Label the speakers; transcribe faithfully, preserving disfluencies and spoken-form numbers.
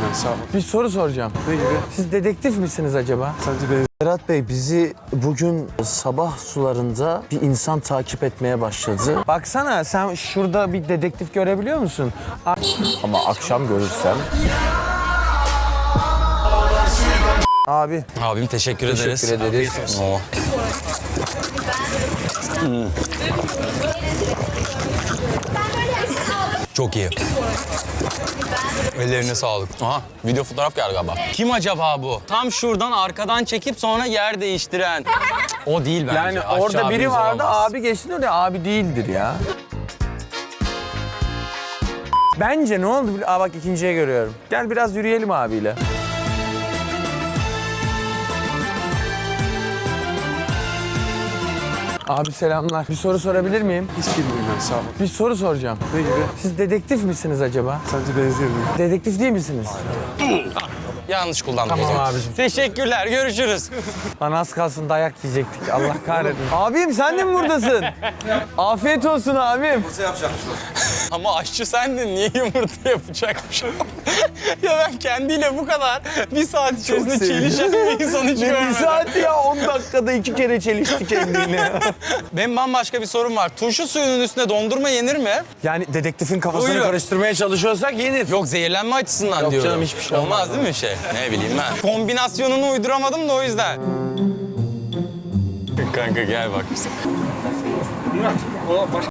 Speaker 1: ben, sağ ol.
Speaker 2: Bir soru soracağım.
Speaker 1: Ne gibi?
Speaker 2: Siz dedektif misiniz acaba?
Speaker 1: Sence ben...
Speaker 3: Berat Bey, bizi bugün sabah sularında bir insan takip etmeye başladı.
Speaker 2: Baksana sen şurada bir dedektif görebiliyor musun?
Speaker 3: Ama akşam görürsem...
Speaker 2: Abi.
Speaker 4: Abim teşekkür, ederiz.
Speaker 2: Teşekkür ederiz.
Speaker 4: Oo. Hmm. Çok iyi. Ellerine sağlık. Aha, video fotoğraf geldi galiba. Kim acaba bu? Tam şuradan arkadan çekip sonra yer değiştiren. O değil bence.
Speaker 2: Yani
Speaker 4: Aşçı
Speaker 2: orada biri
Speaker 4: abimiz
Speaker 2: vardı,
Speaker 4: olamaz.
Speaker 2: abi geçti oraya, abi değildir ya. Bence ne oldu? Aa bak ikinciye görüyorum. Gel biraz yürüyelim abiyle. Abi selamlar. Bir soru sorabilir miyim?
Speaker 1: Hiç bilmiyorum ben, sağ ol.
Speaker 2: Bir soru soracağım.
Speaker 1: Ne gibi?
Speaker 2: Siz dedektif misiniz acaba?
Speaker 1: Sence benziyor muyum?
Speaker 2: Dedektif değil misiniz?
Speaker 4: Yanlış kullandım
Speaker 2: Tamam
Speaker 4: o zaman.
Speaker 2: abicim.
Speaker 4: Teşekkürler, görüşürüz.
Speaker 2: Lan az kalsın dayak yiyecektik. Allah kahretsin. Abim sen de mi buradasın? Afiyet olsun abim.
Speaker 4: Ama aşçı sendin, niye yumurta yapacakmış? Ya ben kendiyle bu kadar bir saat içerisinde çelişen bir insan hiç
Speaker 2: Ne bir
Speaker 4: görmedim.
Speaker 2: saati ya? on dakikada iki kere çelişti kendini.
Speaker 4: Benim bambaşka bir sorum var. Turşu suyunun üstüne dondurma yenir mi?
Speaker 2: Yani dedektifin kafasını
Speaker 4: Buyurun.
Speaker 2: karıştırmaya çalışıyorsak yenir.
Speaker 4: Yok, zehirlenme açısından
Speaker 2: Yok
Speaker 4: diyorum.
Speaker 2: canım, hiçbir şey
Speaker 4: olmaz.
Speaker 2: olmaz.
Speaker 4: Değil mi bir şey? Ne bileyim ben. Kombinasyonunu uyduramadım da o yüzden. Kanka gel bak bize.